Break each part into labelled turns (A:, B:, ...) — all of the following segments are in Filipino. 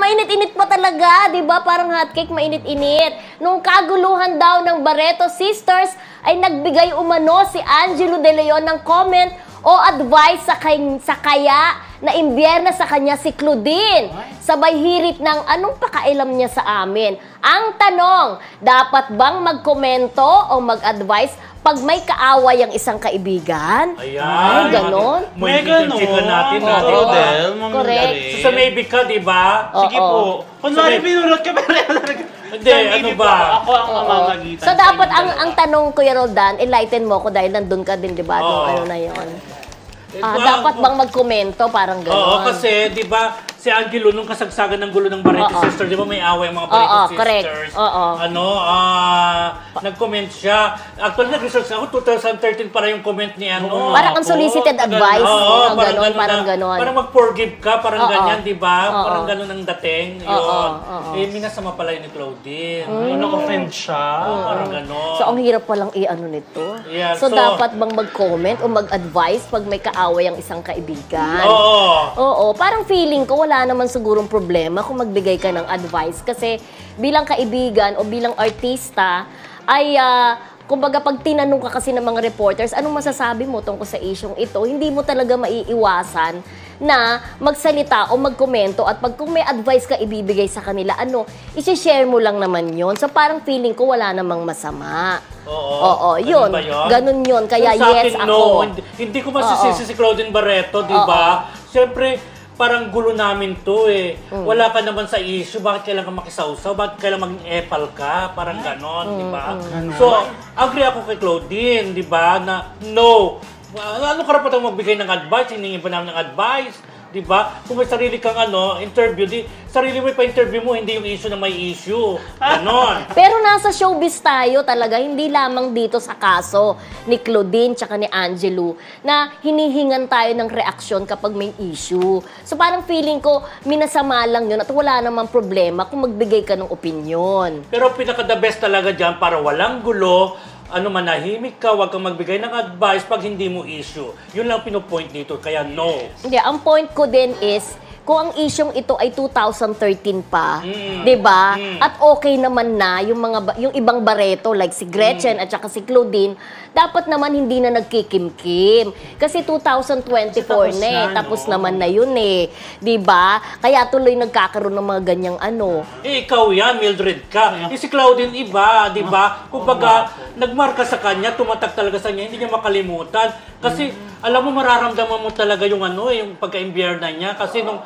A: mainit-init pa talaga, di ba? Parang hotcake, mainit-init. Nung kaguluhan daw ng Barreto Sisters, ay nagbigay umano si Angelo De Leon ng comment o advice sa kaya na imbierna sa kanya si Claudine. Sabay hirit ng anong pakailam niya sa amin. Ang tanong, dapat bang magkomento o mag-advise pag may kaaway ang isang kaibigan?
B: Ayan.
A: Ay, ganon.
B: May ganon natin.
C: Rodel,
A: Correct.
B: So, sa maybe ka, di ba?
C: Sige po. Kunwari pinunod ka, pero
B: Hindi, ano ba?
C: Ako ang mamamagitan.
A: So, dapat ang tanong, Kuya Roldan, enlighten mo ko dahil nandun ka din, di ba? Nung ano na yun. Dapat bang magkomento? Parang gano'n.
B: Oo, kasi, di ba, si Angelo, nung kasagsagan ng gulo ng Barreto Sisters, di ba may away ang mga Barreto Sisters?
A: Correct.
B: Nag-comment siya. Actually, nag-research ako, 2013 para yung comment ni ano.
A: Parang unsolicited advice.
B: Oo,
A: Parang gano'n.
B: Parang mag-forgive ka, parang ganyan, di ba?
A: Oo.
B: Parang gano'n ang dating. Yun. Eh, minasama pala yun ni Claudine.
C: Na-offend siya.
B: Parang gano'n.
A: So, ang hirap palang i-ano nito.
B: Yeah,
A: So,
B: so-
A: dapat bang mag-comment o mag-advise pag may kaaway ang isang kaibigan?
B: Oo.
A: Oo, parang feeling ko wala naman sigurong problema kung magbigay ka ng advice kasi bilang kaibigan o bilang artista ay kumbaga pag tinanong ka kasi ng mga reporters, anong masasabi mo tungkol sa isyong ito, hindi mo talaga maiiwasan na magsalita o magkomento at pag kung may advice ka ibibigay sa kanila, isi-share mo lang naman yon. So parang feeling ko wala namang masama. Oo, yun.
B: Ba yun?
A: Ganun yun. Kaya
B: So, sa
A: yes,
B: akin,
A: ako.
B: no. Hindi ko masisisi si Claudine Barreto, di ba? Siyempre, parang gulo namin to eh. Wala ka naman sa issue, bakit kailangan ka makisawsaw? Bakit kailangan maging epal ka? Parang ganon, di ba? So, agree ako kay Claudine, di ba? Na no. Ano karapatan magbigay ng advice? Hiningi pa namin ng advice. Di ba? Kung may sarili kang interview, sarili mo pa-interview mo, hindi yung issue na may issue. Ganon.
A: Pero nasa showbiz tayo talaga, hindi lamang dito sa kaso ni Claudine tsaka ni Angelo na hinihingan tayo ng reaksyon kapag may issue. So parang feeling ko, minasama lang yun at wala namang problema kung magbigay ka ng opinion.
B: Pero pinaka-the best talaga dyan para walang gulo, manahimik ka, wag kang magbigay ng advice pag hindi mo issue. Yun lang pinupoint dito, kaya no.
A: Hindi, ang point ko din is, kung ang isyong ito ay 2013 pa, 'di ba? At okay naman na yung ibang Barreto like si Gretchen at saka si Claudine, dapat naman hindi na nagkikimkim. Kasi 2024 na eh, tapos naman na yun eh, 'di ba? Kaya tuloy nagkakaroon ng mga ganyang
B: Eh, ikaw yan, Mildred ka. Si Claudine iba, di ba? Kumbaga, nagmarka sa kanya, tumatak talaga sa kanya, hindi niya makalimutan. Kasi, alam mo, mararamdaman mo talaga yung yung pagka-imbierna niya. Kasi nung,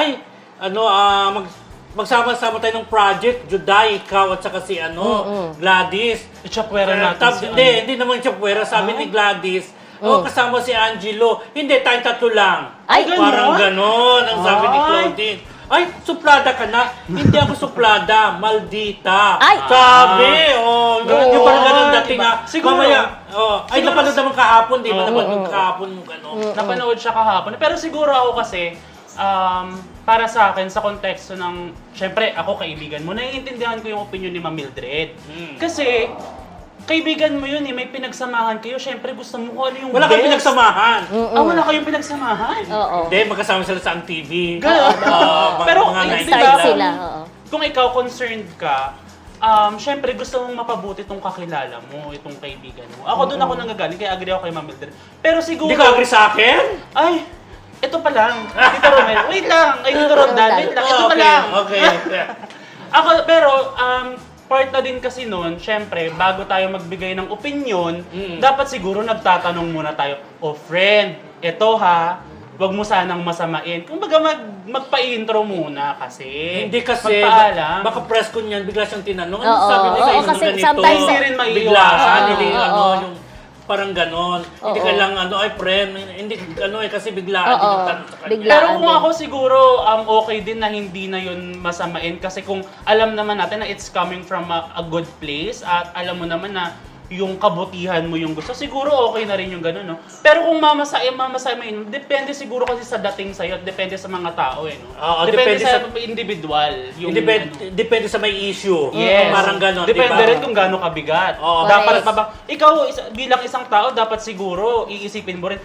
B: magsama-sama tayo ng project, Juday, ikaw at saka si Gladys.
C: Itchapwera natin si
B: Hindi naman Itchapwera, sabi ni Gladys. Kasama si Angelo. Hindi, tayong tatlo lang.
A: Ay,
B: Parang ganon, ang sabi ni Claudine. Ay, suplada ka na. Hindi ako suplada, maldita.
A: Ay!
B: Sabi, yung parang ganon dating
C: Siguro.
B: mamaya, ay,
C: Siguro.
B: napanood naman kahapon, di ba? Napanood kahapon yung gano'n.
C: Napanood siya kahapon. Pero siguro ako kasi, para sa akin, sa konteksto ng, syempre, ako kaibigan mo, naiintindihan ko yung opinion ni Ma'am Mildred. Kasi, kaibigan mo yun eh, may pinagsamahan kayo, syempre gusto mo kung ano yung
B: Wala
C: best.
B: kang pinagsamahan.
C: Wala kayong pinagsamahan.
A: Oo.
B: Hindi, magkasama sila sa ang TV.
C: Pero,
B: mga
C: di
A: Start
C: ba?
A: sila, oo.
C: Kung ikaw concerned ka, syempre gusto mong mapabuti itong kakilala mo, itong kaibigan mo. Ako doon ako nanggagaling, kaya agree ako kay Ma'am Mildred. Pero siguro...
B: Hindi ka agree sa akin?
C: Ay, ito pa lang. Tito Romel, wait lang. Ay, Tito Roldan, wait lang. Ito pa lang.
B: Okay.
C: Ako, pero, part na din kasi noon, syempre, bago tayo magbigay ng opinion, dapat siguro nagtatanong muna tayo, friend, ito ha, wag mo sanang masamain. Kung baga magpa-intro muna kasi.
B: Hindi kasi,
C: magpaalam.
B: baka press ko niyan, bigla siyang tinanong. Ano
A: Oo,
B: sabi mo sa
A: oo,
B: inyo
A: kasi
B: ganito?
A: sometimes
C: hindi rin maiiwasan.
B: Biglaan, hindi
A: Oo.
B: yung parang ganon. Hindi ka lang, ay friend, hindi, kasi biglaan,
A: Oo,
B: hindi magtanong sa kanya.
A: biglaan.
C: Pero kung
A: din.
C: ako siguro, okay din na hindi na yun masamain kasi kung alam naman natin na it's coming from a good place at alam mo naman na yung kabutihan mo yung gusto, siguro okay na rin yung gano'n, no? Pero kung mamasahin, depende siguro kasi sa dating sa'yo at depende sa mga tao, no?
B: Oo,
C: depende
B: depende
C: sa individual. Yung,
B: Depende sa may issue.
C: Yes.
B: Parang ganon,
C: Depende
B: diba?
C: rin kung gaano kabigat.
B: Oo,
C: Dapat
A: correct.
C: ikaw bilang isang tao, dapat siguro iisipin mo rin,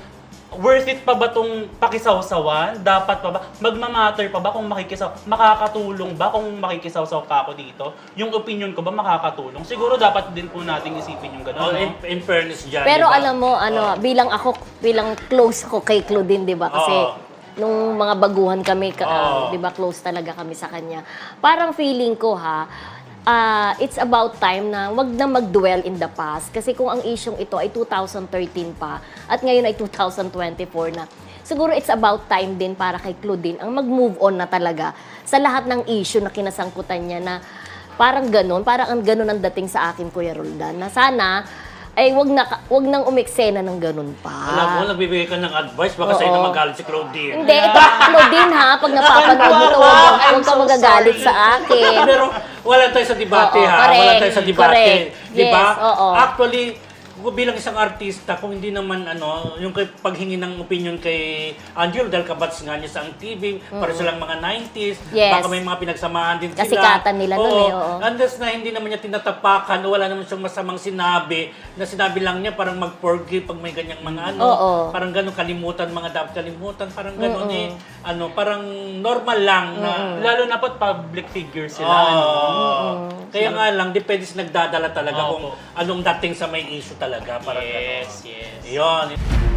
C: worth it pa ba tong pakisawsawan? Dapat pa ba? Magmamatter pa ba kung makakatulong ba kung makikisawsaw pa ako dito? Yung opinion ko ba makakatulong? Siguro dapat din po nating isipin yung
B: Oh,
C: gano'n, no?
B: in fairness dyan,
A: Pero
B: di ba?
A: alam mo, bilang close ko kay Claudine, di ba? Kasi
B: Oo.
A: nung mga baguhan kami,
B: Oo.
A: di ba, close talaga kami sa kanya. Parang feeling ko it's about time na wag na mag-dwell in the past. Kasi kung ang isyong ito ay 2013 pa at ngayon ay 2024 na, siguro it's about time din para kay Claudine ang mag-move on na talaga sa lahat ng issue na kinasangkutan niya na parang ang ganun ang dating sa akin, Kuya Roldan, na sana ay wag nang umeksena ng ganun pa.
B: Alam mo, nagbibigay ka ng advice, baka sa'yo na magalit si Claudine.
A: Hindi, ito, Claudine ha, pag napapanood mo ito, huwag ka magagalit sa akin.
B: Pero wala tayo sa debate
A: Oo,
B: ha.
A: correct,
B: Wala tayo sa debate.
A: correct.
B: Di ba?
A: Yes, oo.
B: Actually, bilang isang artista, kung hindi naman yung paghingi ng opinion kay Angelo dahil kabats nga niya sa ang TV, para silang mga 90s,
A: Yes.
B: baka may mga pinagsamahan din sila.
A: Kasikatan nila nun eh, oo.
B: Unless na hindi naman niya tinatapakan, wala naman siyang masamang sinabi, na sinabi lang niya parang mag-forgive pag may ganyang mga
A: Oo.
B: parang ganun kalimutan, mga dapat kalimutan, parang ganun parang normal lang na
C: Lalo na po public figure sila.
B: kaya nga lang, depende sa nagdadala talaga
C: Opo.
B: kung anong dating sa may issue talaga. Parang
C: Yes, yes.
B: Yun.